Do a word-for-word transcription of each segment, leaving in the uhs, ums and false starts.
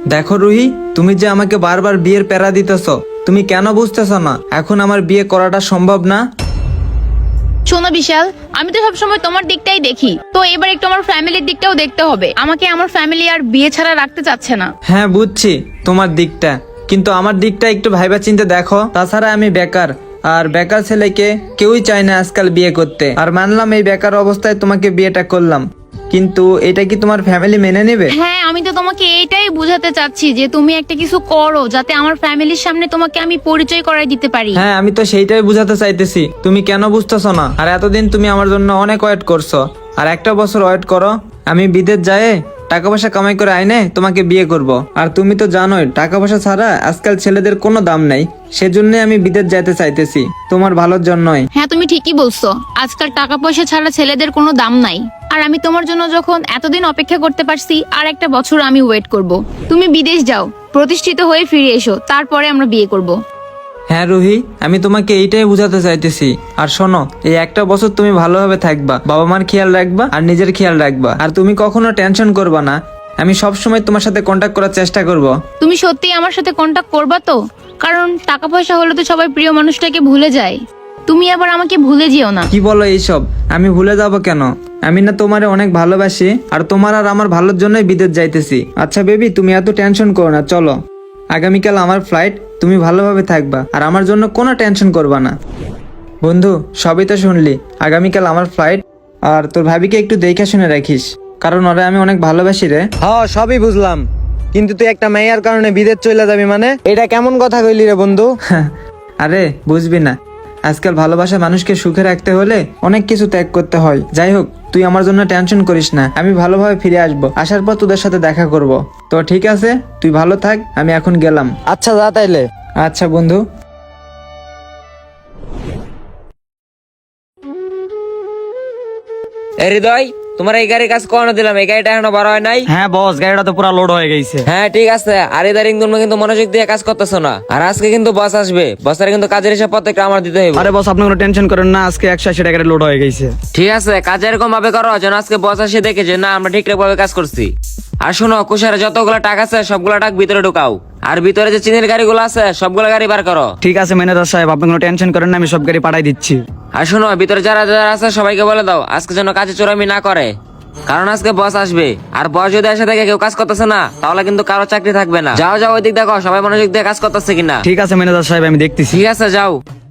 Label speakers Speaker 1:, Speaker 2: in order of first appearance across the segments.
Speaker 1: দেখো রুহি, তুমি যে আমাকে বারবার বিয়ের প্যারা দিতেছ, তুমি কেন বুঝতেছ না এখন আমার বিয়ে করাটা সম্ভব না?
Speaker 2: শোনো বিশাল, আমি তো সবসময় তোমার দিকটাই দেখি, তো এবার একটু আমার ফ্যামিলির দিকটাও দেখতে হবে। আমাকে আমার ফ্যামিলি আর বিয়ে ছাড়া রাখতে চাচ্ছে না।
Speaker 1: হ্যাঁ বুঝছি তোমার দিকটা, কিন্তু আমার দিকটা একটু ভাইবা চিন্তে দেখো। তাছাড়া আমি বেকার, আর বেকার ছেলেকে কেউই চায় না আজকাল বিয়ে করতে। আর মানলাম এই বেকার অবস্থায় তোমাকে বিয়েটা করলাম, কিন্তু এটা কি তোমার ফ্যামিলি মেনে নেবে?
Speaker 2: হ্যাঁ, আমি তো তোমাকে এইটাই বোঝাতে চাচ্ছি যে তুমি একটা কিছু করো যাতে আমার ফ্যামিলির সামনে তোমাকে আমি পরিচয় করাই দিতে পারি।
Speaker 1: হ্যাঁ আমি তো সেইটাই বুঝাতে চাইতেছি, তুমি কেন বুঝতেছো না? আর এতদিন তুমি আমার জন্য অনেক ওয়েট করছো, আর একটা বছর ওয়েট করো, আমি বিদেশ যায় টাকা পয়সা কামাই করে আইনে তোমাকে বিয়ে করব। আর তুমি তো জানোই টাকা পয়সা ছাড়া আজকাল ছেলেদের কোনো দাম নাই, সেজন্য আমি বিদেশ যাইতে চাইতেছি, তোমার ভালোর জন্যই।
Speaker 2: হ্যাঁ, তুমি ঠিকই বলছো, আজকাল টাকা পয়সা ছাড়া ছেলেদের কোনো দাম নাই। আর আমি তোমার জন্য যখন এতদিন অপেক্ষা করতে পারছি, আর একটা বছর আমি ওয়েট করব। তুমি বিদেশ যাও, প্রতিষ্ঠিত হয়ে ফিরে এসো, তারপরে আমরা বিয়ে করব।
Speaker 1: হ্যাঁ রুহি, আমি তোমাকে এইটাই বুঝাতে চাইতেছি। আর শোনো, এই একটা বছর তুমি ভালোভাবে থাকবা, বাবা মার খেয়াল রাখবা আর নিজের খেয়াল রাখবা, আর তুমি কখনো টেনশন করবা না। আমি সব সময় তোমার সাথে কন্ট্যাক্ট করার চেষ্টা করব।
Speaker 2: তুমি সত্যি আমার সাথে কন্টাক্ট করবা তো? কারণ টাকা পয়সা হলে তো সবাই প্রিয় মানুষটাকে ভুলে যায়, তুমি আবার আমাকে ভুলে যেও না।
Speaker 1: কি বলো এইসব? আমি ভুলে যাব কেন? আমি না তোমারে অনেক ভালোবাসি, আর তোমার আর আমার ভালোর জন্যই বিদেশ যাইতেছি। আচ্ছা বেবি, তুমি এত টেনশন করো না, চলো আগামীকাল আমার ফ্লাইট, তুমি ভালোভাবে থাকবা আর আমার জন্য কোনো টেনশন করবা না। বন্ধু, সবই তো শুনলি, আগামীকাল আমার ফ্লাইট, আর তোর ভাবিকে একটু দেখে শুনে রাখিস, কারণ ওরা আমি অনেক ভালোবাসি রে।
Speaker 3: হ্যাঁ সবই বুঝলাম, কিন্তু তুই একটা মেয়ের কারণে বিদেশ চলে যাবি মানে এটা কেমন কথা কইলি রে বন্ধু?
Speaker 1: আরে বুঝবি না, আজকাল ভালোবাসা মানুষকে সুখে রাখতে হলে অনেক কিছু ত্যাগ করতে হয়। যাই হোক, তুই আমার জন্য টেনশন করিস না, আমি ভালোভাবে ফিরে আসবো, আসার পর তোদের সাথে দেখা করব। তো ঠিক আছে, তুই ভালো থাক, আমি এখন গেলাম।
Speaker 3: আচ্ছা যা তাইলে।
Speaker 1: আচ্ছা বন্ধু।
Speaker 4: এ হৃদয়, তোমার এই গাড়ির কাজ করানো দিলাম, এই গাড়িটা এখনো বড় হয় নাই।
Speaker 5: হ্যাঁ বস, গাড়িটা তো পুরো লোড হয়ে গেছে।
Speaker 4: হ্যাঁ ঠিক আছে, আর ইদারিং তুমি কিন্তু মনোযোগ দিয়ে কাজ করতেছো না। আর আজকে কিন্তু বস আসবে, বসের কিন্তু কাজের হিসাব প্রত্যেকটা আমার দিতে হবে।
Speaker 5: আরে বস, আপনি কোনো টেনশন করেন না, আজকে একশো আশি টাকা লোড হয়ে গেছে।
Speaker 4: ঠিক আছে, কাজ এরকম ভাবে করো যেন আজকে বস এসে দেখে যে না আমরা ঠিকঠাক ভাবে কাজ করছি। আর শোনো, কুশারে যতগুলো টাকা আছে সবগুলো টাকা ভিতরে ঢুকাও, আর ভিতরে যে চিনির গাড়িগুলো আছে সবগুলো গাড়ি বার করো।
Speaker 5: ঠিক আছে ম্যানেজার সাহেব, আপনি কোনো টেনশন করেন না, আমি সব গাড়ি পাঠাই দিচ্ছি।
Speaker 4: আর শোনো, ভিতরে যারা যারা আছে সবাইকে বলে দাও আজকে যেন কাজে চোরামি না করে, কারণ আজকে বস আসবে। আর বস যদি এসে দেখে কেউ কাজ করতেছে না, তাহলে কিন্তু কারো চাকরি থাকবে না। যাও যাও, ওই দিক দেখো সবাই মনোযোগ দিয়ে কাজ করতেছে কিনা।
Speaker 5: ঠিক আছে ম্যানেজার সাহেব, আমি দেখতেছি।
Speaker 4: ঠিক আছে, যাও।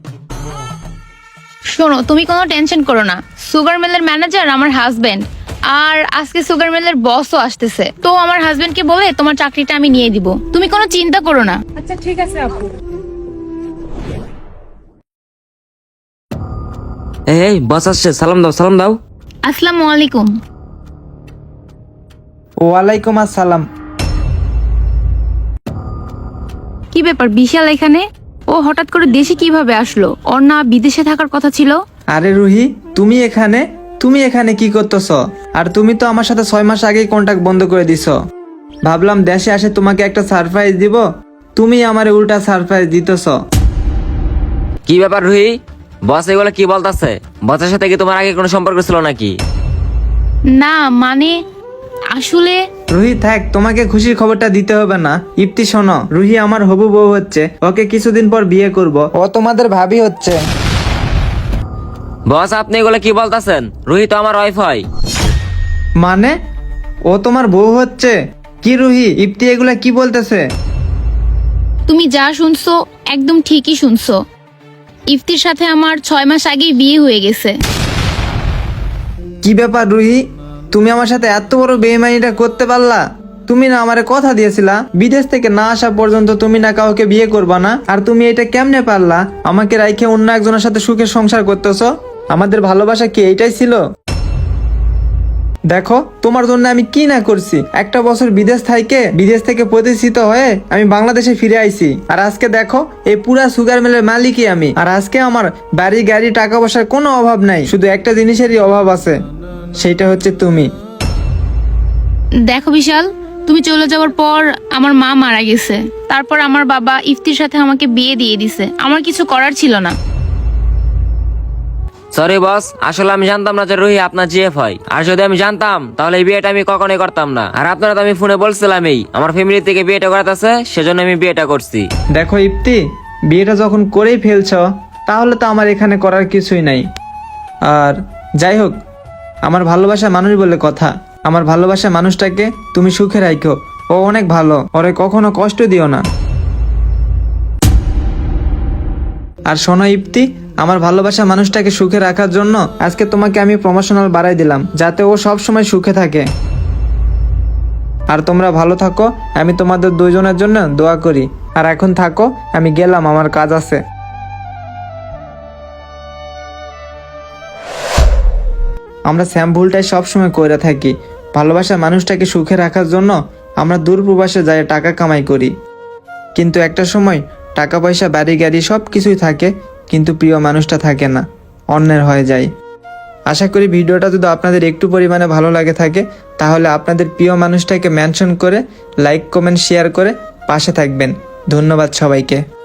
Speaker 2: শোনো, তুমি কোনো টেনশন করো না, সুগার মিলের ম্যানেজার আমার হাজবেন্ড, আর আজকে সুগার মিলের বসও আসতেছে, তো আমার হাজবেন্ডকে বলে তোমার চাকরিটা আমি নিয়ে দিব, তুমি কোনো চিন্তা করো না।
Speaker 6: আচ্ছা ঠিক আছে আপু।
Speaker 4: এই বস আসছে, সালাম দাও সালাম দাও।
Speaker 2: আসসালামু আলাইকুম।
Speaker 1: ওয়ালাইকুম আসসালাম।
Speaker 2: কি ব্যাপার বিশাল এখানে? ও হঠাৎ করে দেশে কিভাবে আসলো? ওর না বিদেশে থাকার কথা ছিল?
Speaker 1: আরে রুহি, তুমি এখানে তুমি এখানে কি করতেছ? আর তুমি তো আমার সাথে ছয় মাস আগেই কন্ট্যাক্ট বন্ধ করে দিছ। ভাবলাম দেশে আসে তোমাকে একটা সারপ্রাইজ দিব, তুমি আমারে উল্টা সারপ্রাইজ দিতেছ।
Speaker 4: কি ব্যাপার রুহি, বস এগুলো কি বলতাছে? বসের সাথে কি তোমার আগে কোনো সম্পর্ক ছিল নাকি?
Speaker 2: না মানে আসলে
Speaker 1: রুহি থাক, তোমাকে খুশির খবরটা দিতে হবে না। ইপ্তি শোনো, রুহি আমার হবু বউ হচ্ছে, ওকে কিছুদিন পর বিয়ে করব, ও তোমাদের ভাবি হচ্ছে।
Speaker 4: বস আপনি এগুলো কি বলতাছেন? রুহি তো আমার ওয়াইফ হয়।
Speaker 1: মানে ও তোমার বউ হচ্ছে? কি রুহি, ইপ্তি এগুলা কি বলতেছে?
Speaker 2: তুমি যা শুনছো একদম ঠিকই শুনছো। ইফতির সাথে আমার ছয় মাস আগেই বিয়ে হয়ে গেছে।
Speaker 1: কি ব্যাপার রুহি, তুমি আমার সাথে এত বড় বেইমানিটা করতে পারলা? তুমি না আমারে কথা দিয়েছিলা বিদেশ থেকে না আসা পর্যন্ত তুমি না কাউকে বিয়ে করবা না, আর তুমি এটা কেমনে পারলা? আমাকে রাইখে অন্য একজনের সাথে সুখে সংসার করতেছো। আমাদের ভালোবাসা কি এইটাই ছিল? দেখো তোমার জন্য আমি কি না করছি। একটা বছর বিদেশ থাইকে বিদেশ থেকে প্রতিষ্ঠিত হয়ে আমি বাংলাদেশে ফিরে আইছি, আর আজকে দেখো এই পুরা সুগার মিলের মালিকই আমি। আর আজকে আমার বাড়ি গাড়ি টাকা পয়সার কোনো অভাব নাই, শুধু একটা জিনিসেরই অভাব আছে, সেইটা হচ্ছে তুমি।
Speaker 2: দেখো বিশাল, তুমি চলে যাওয়ার পর আমার মা মারা গেছে, তারপর আমার বাবা ইফতির সাথে আমাকে বিয়ে দিয়ে দিছে, আমার কিছু করার ছিল না।
Speaker 4: সরি বস, আসলে আমি জানতাম না যে রুহি আপনার জিএফ হয়। আর যদি আমি জানতাম তাহলে এই বিয়েটা আমি কখনোই করতাম না। আর আপনারা তো আমি ফোনে বলছিলামই আমার ফ্যামিলি থেকে বিয়েটা করাতেছে, সেজন্য আমি বিয়েটা করছি।
Speaker 1: দেখো ইপ্তি, বিয়েটা যখন করেই ফেলছ তাহলে তো আমার এখানে করার কিছুই নাই। আর যাই হোক, আমার ভালোবাসা মানুষ বলে কথা, আমার ভালোবাসা মানুষটাকে তুমি সুখে রাখো। ও অনেক ভালো, ওরে কখনো কষ্ট দিও না। আর শোনো ইপ্তি, আমার ভালোবাসা মানুষটাকে সুখে রাখার জন্য আজকে তোমাকে আমি প্রমোশনাল বাড়াই দিলাম, যাতে ও সব সময় সুখে থাকে। আর তোমরা ভালো থাকো, আমি তোমাদের দুইজনের জন্য দোয়া করি। আর এখন থাকো, আমি গেলাম, আমার কাজ আছে। আমরা স্যাম ভুলটাই সবসময় করে থাকি, ভালোবাসা মানুষটাকে সুখে রাখার জন্য আমরা দূর প্রবাসে যাই টাকা কামাই করি, কিন্তু একটা সময় টাকা পয়সা বাড়ি গাড়ি সব কিছুই থাকে, কিন্তু প্রিয় মানুষটা থাকে না, অন্যের হয়ে যায়। আশা করি ভিডিওটা যদি আপনাদের একটু পরিমাণে ভালো লাগে থাকে তাহলে আপনাদের প্রিয় মানুষটাকে মেনশন করে লাইক কমেন্ট শেয়ার করে পাশে থাকবেন। ধন্যবাদ সবাইকে।